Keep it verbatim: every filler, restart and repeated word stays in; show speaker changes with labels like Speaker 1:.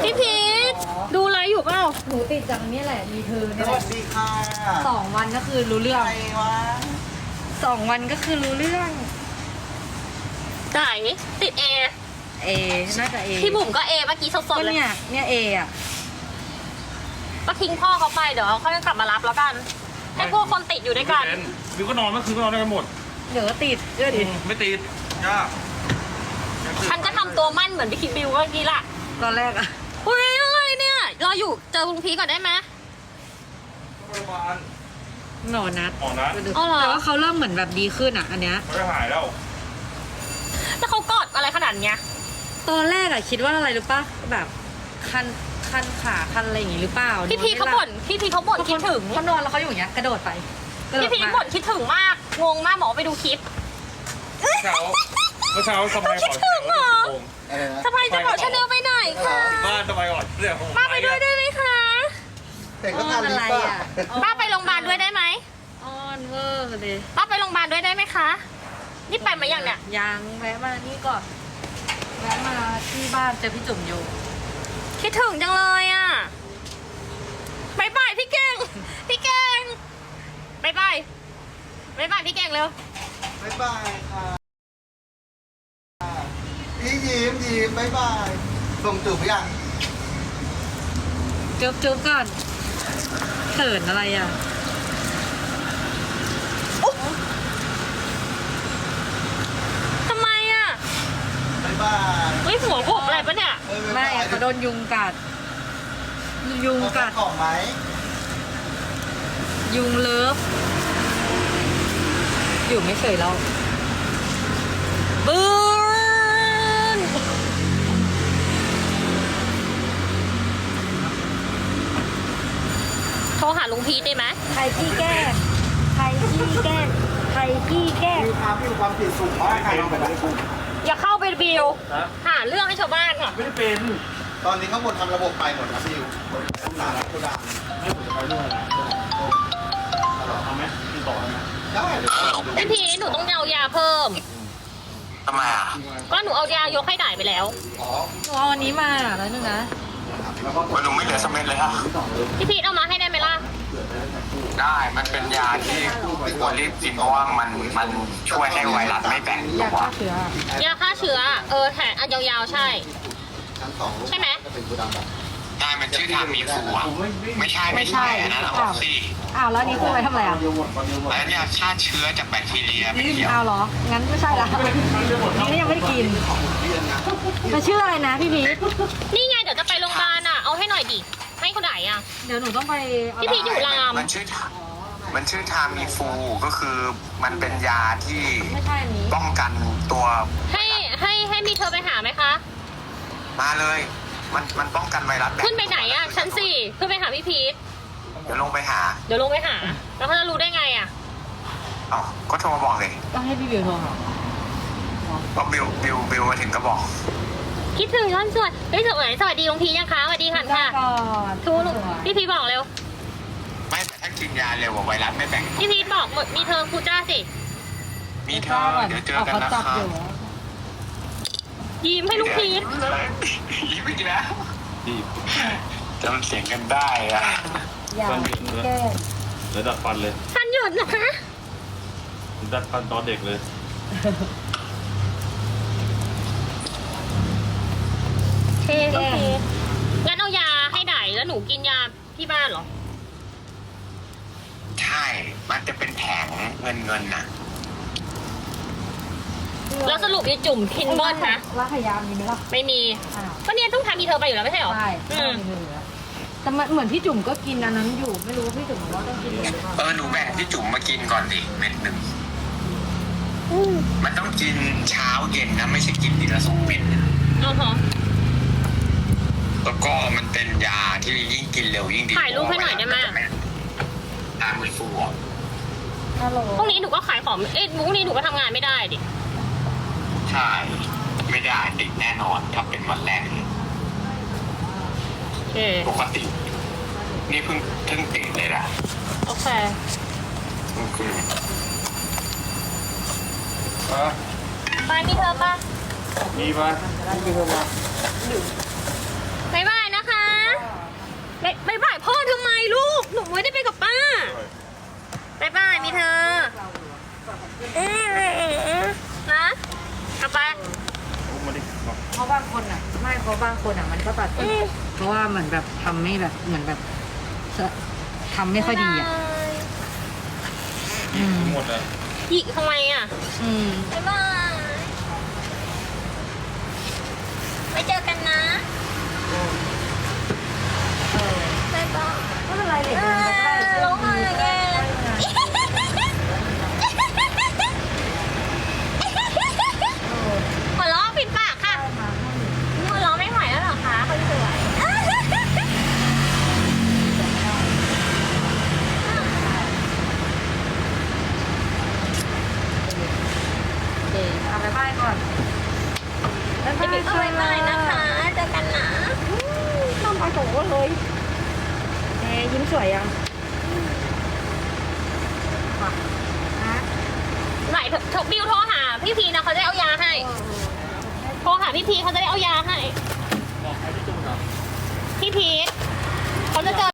Speaker 1: พี่พีทดูอะไรอยู่เปล่า
Speaker 2: หนูติดจากนี้แหละมีเธอ
Speaker 3: ส
Speaker 2: เนี่ยแห
Speaker 3: วั
Speaker 2: ละ
Speaker 3: สดีค่ะ
Speaker 2: สองวันก็คือรู้เรื่อง
Speaker 3: ใครวะ
Speaker 2: สองวันก็คือรู้เรื่อง
Speaker 1: ไหนติดเอ
Speaker 2: เอน่าจะเอ
Speaker 1: พี่บุ๋มก็เอเมื่อกี้สด
Speaker 2: ก็
Speaker 1: ๆเลย
Speaker 2: เนี่ยเนี่ยเออ่ะ
Speaker 1: ก็ทิ้งพ่อเขาไปเดี๋ยวเขาจะกลับมารับแล้วกัน ให้พวกคนติดอยู่ด้วยกัน
Speaker 4: วิวก็นอนเมื่อคืนก็นอนด้วยกันหมด
Speaker 2: เดี๋ยวก็ติดเชื่อดิ
Speaker 4: ไม่ติดยาก
Speaker 1: ฉันก็ทำตัวมั่นเหมือนพี่คิดบิวเมื่อกี้ล่ะ
Speaker 2: ตอนแรกอ่ะ
Speaker 1: อุ้ยอะไรเนี่ยเราอยู่เจอลุงพีก่อนได้ไหม
Speaker 4: โรงพยาบาล
Speaker 2: หนอนัด
Speaker 4: หมอนัด
Speaker 1: อ๋อเหรอ
Speaker 2: แต่ว่าเขาเริ่มเหมือนแบบดีขึ้นอ่ะ อันเนี้ย
Speaker 4: เขาจะหายแล้ว
Speaker 1: แล้วเขากอดอะไรขนาดเนี้ย
Speaker 2: ตอนแรกอะคิดว่าอะไรรู้ป่ะแบบคันคันขาคันอะไรอย่างงี้หรือเปล่า
Speaker 1: พี่พีทเขาบ่นพี่พีทเขาบ่นคิดถึง
Speaker 2: เขานอนแล้วเขาอยู่อย่างเงี้ยกระโดดไปกระโด
Speaker 1: พี่
Speaker 2: ด
Speaker 1: พีท
Speaker 2: มา
Speaker 1: บ่นคิดถึงมากงงมากหมอไปดูคลิป
Speaker 4: เมื่อเช้าเมื่อเช้าสบายก่อน
Speaker 1: คิดถึงเหรอ
Speaker 3: อะไรนะ
Speaker 1: สบายจะบอกชาแนลไปไหนคะ
Speaker 4: บ้านสบายก่อนเรื่องของ
Speaker 1: ป้าไปด้วยได้ไหมคะ
Speaker 3: แต่ก็
Speaker 2: อ้อ
Speaker 3: ทาน น
Speaker 2: อะไร
Speaker 3: ลิป
Speaker 2: อ่ะ
Speaker 3: อ่ะ
Speaker 1: ป้าไปโรงพยาบาลด้วยได้ไหม
Speaker 2: อ้อนเวอร์เลย
Speaker 1: ป้าไปโรงพยาบาลด้วยได้ไหมคะนี่ไปมาอย่างเนี้ย
Speaker 2: ยังแวะมานี่ก่อนแวะมาที่บ้านเจอพี่จุ๋มอยู่
Speaker 1: คิดถึงจังเลยอ่ะบายบายพี่เก่งพี่เก่งบายบายบายบายพี่เก่งเร็ว
Speaker 3: บ๊ายบายค่ะพี่ยิ้มยิ้มบ๊ายบายส่งจูบไปยัง
Speaker 2: จุ๊บจุ๊บก่อนเขินอะไรอ่ะ
Speaker 1: ทำไมอ่ะ
Speaker 3: บ๊ายบาย
Speaker 1: เฮ้ยหัวผมอะไรปะเนี่ย
Speaker 3: เออบ๊าย
Speaker 2: ไม่
Speaker 3: บาย
Speaker 2: อะเขาโดนยุงกัด ยุง
Speaker 3: เอา
Speaker 2: กัด
Speaker 3: ของไหม
Speaker 2: ยุงเลิฟ อยู่ไม่เฉยเรา
Speaker 1: บืนโทรหาลุงพีทได้ไหม
Speaker 2: ใครขี้แกล้งใครขี้แกล้งใครขี้แกล้ง
Speaker 3: มีความมีความผิดสูงมากใครลองไปได้กู
Speaker 1: อย่าเข้าไปบิวหาเรื่องให้ชาวบ้านค่ะ
Speaker 4: ไม่ได้เป็น
Speaker 3: ตอนนี้ข้างบนทำระบบไปหมดนะพี่ต้องการรับกูดัง
Speaker 4: ให้ผมจะไปเรื่องอะไรนะเอาไหมติดต่อไหม
Speaker 3: ได้เดี๋ยว
Speaker 1: พี่พีทหนูต้องเอายาเพิ่ม
Speaker 5: ทำไมอ่ะ
Speaker 1: ก็หนูเอายายกให้ด่ายไปแล้ว
Speaker 3: อ๋อ
Speaker 2: หนูเอาอันนี้มาแล้วนึงนะ
Speaker 3: แล้วก็
Speaker 5: มันหนูไม่เหลือสกเม็ดเลยอ่ะ
Speaker 1: พี่พีทเอามาให้ได้ไหมล่ะ
Speaker 5: ได้ มันเป็นยาที่ควรรีบกินเพราะว่ามันมันช่วยให้ไวรัสไม่แบ่ง
Speaker 2: อยา
Speaker 5: ตั
Speaker 2: ก
Speaker 5: ว
Speaker 2: ฆ่าเชื้อย
Speaker 1: าฆ่าเชื้อ เออแถมอันยาวๆใช่
Speaker 3: ชั้นสอง
Speaker 1: ใช่ไหม
Speaker 3: จะเป็นกูดังแบบ
Speaker 5: ได้มันชื่อทามีฟูอ่ะ ไม่ใช่ไม่ใช่อันนั้นอะออกซี่
Speaker 2: อ้าวแล้วอันนี้คือไว้ทำอะไรอ่ะ
Speaker 5: แล้วเนี่ยฆ่าเชื้อจากแบคทีเรียไม่เกี่ยว
Speaker 2: อ้าวเหรอ งั้นไม่ใช่ละนี่ยังไม่ได้กิน มันชื่ออะไรนะพี่พีท
Speaker 1: นี่ไงเดี๋ยวจะไปโรงพยาบาลอ่ะ เอาให้หน่อยดิ ให้คนไหนอ่ะ
Speaker 2: เดี๋ยวหนูต้องไปเอา
Speaker 1: พี่พีทอยู่ราม
Speaker 5: มันชื่อมันชื่อทามีฟูก็คือมันเป็นยาที่
Speaker 2: ไม่ใช่อันนี้
Speaker 5: ป้องกันตัว
Speaker 1: ให้ให้ให้มีเธอไปหาไหมคะ
Speaker 5: มาเลย มันมันป้องกันไวรัสแบ่ง
Speaker 1: ขึ้นไปไหนอ่ะ ชั้นสี่ขึ้นไปหาพี่พีท
Speaker 5: เดี๋ยวลงไปหา
Speaker 1: เดี๋ยวลงไปหา แล้วเขาจะรู้ได้ไงอ่ะ
Speaker 5: เอ๋อก็โทรมาบอกเลย
Speaker 2: ต้องให้พี่บิวโทรหา
Speaker 5: ก็บิวบิวบิวมาถึงก็บอก
Speaker 1: คิดถึงย้อนสวยเฮ้ยสวัสดีสวัสดีลุงพียังคะสวัสดีค่ะค่ะ
Speaker 2: ก่อน
Speaker 1: ทูลุงพี่พีทบอกเร็ว
Speaker 5: ไม่แต่ถ้ากินยาเร็วกว่าไวรัสไม่แบ่ง
Speaker 1: พี่พีทบอกมีเธอครูจ้าสิ
Speaker 5: มีเธอเดี๋ยวเจอกันนะ
Speaker 2: เขา
Speaker 5: ค
Speaker 2: จั
Speaker 5: รั
Speaker 2: บบ อยู่
Speaker 1: ยิ้มให้ลุงพีท
Speaker 5: ยิ้มอีกแล้วจำเสียงกันได้อะ
Speaker 2: อย่าแก้
Speaker 4: แล้วดัดฟันเลย
Speaker 1: ฟันหยุดนะคะ
Speaker 4: ดัดฟันตอนเด็กเลย
Speaker 1: เท่โอเคงั้นเอายาให้ไดแล้วหนูกินยาที่บ้านเหรอ
Speaker 5: ใช่ มันจะเป็นแผงเงินเงินน่ะ
Speaker 1: แล้วสรุปยายจุ่มคินเบิลนะ
Speaker 2: รักขยามีไหมล่ะ
Speaker 1: ไม่มี
Speaker 2: อ้าว
Speaker 1: ก็เนี่ยต้องทำมีเธอไปอยู่แล้วไม่ใช่เหรอ
Speaker 2: ใช่
Speaker 1: อืม
Speaker 2: ไม่เหลือแต่มันเหมือนพี่จุ๋มก็กินอันนั้นอยู่ ไม่รู้ว่าพี่จุ๋มบอกว่าต้องกินหรือเปล่า
Speaker 5: เออหนูแบ่งพี่จุ๋มมากินก่อนดิเม็ดหนึ่ง มันต้องกินเช้าเย็นนะไม่ใช่กินทีละสองเม็ดนะ
Speaker 1: อ๋อฮะ
Speaker 5: แล้วก็มันเป็นยาที่ยิ่งกินเร็วยิ่งดี
Speaker 1: ถ่ายรูปให้หน่อยได้ไหม
Speaker 5: ตามมือฟูอ่ะ
Speaker 2: ฮัลโหล
Speaker 1: พรุ่งนี้หนูก็ขายของ เอ๊ะพรุ่งนี้หนูก็ทำงานไม่ได้ดิ
Speaker 5: ใช่ ไม่ได้ติดแน่นอนถ้าเป็นวันแรกเลย
Speaker 1: โอเค
Speaker 5: ปกติ นี่เพิ่งเพิ่งติดเลยนะ
Speaker 1: โอเค
Speaker 5: เพิ่งคือ
Speaker 1: บายมีเธอปะ
Speaker 4: มีปะ
Speaker 1: บ๊ายบายนะ
Speaker 2: เพราะบางคนอ่ะมันก็ตัดสินเพราะว่าเหมือนแบบทำไม่แบบเหมือนแบบทำไม่ค่อยดีอ่ะอืม
Speaker 4: หมดเลย
Speaker 1: หยิกทำไมอ่ะ
Speaker 2: อืม
Speaker 1: บ๊ายบายไว้เจอกันนะบ๊ายบาย
Speaker 2: ไม่เป็นไรเลย
Speaker 1: เออร้องไห้แกหัวเราะปิดปากค่ะหัวเราะไม่ไหวแล้วเหรอคะคนสวย
Speaker 2: โอเคเอาไปบ้ายก่อนบ๊ายบาย
Speaker 1: บ๊ายบายนะคะเจอกันนะ
Speaker 2: น้ำไปโถเลยเอ๊ยิ้มสวยยังว่ะฮะ
Speaker 1: ไหนทบิวโทรหาพี่พีนะเขาจะได้เอายาให้ โทรหาพี่พีเขาจะได้เอายาให้
Speaker 4: บอกใครที่จุ่มเหรอ
Speaker 1: พี่พีเขาจะเจอ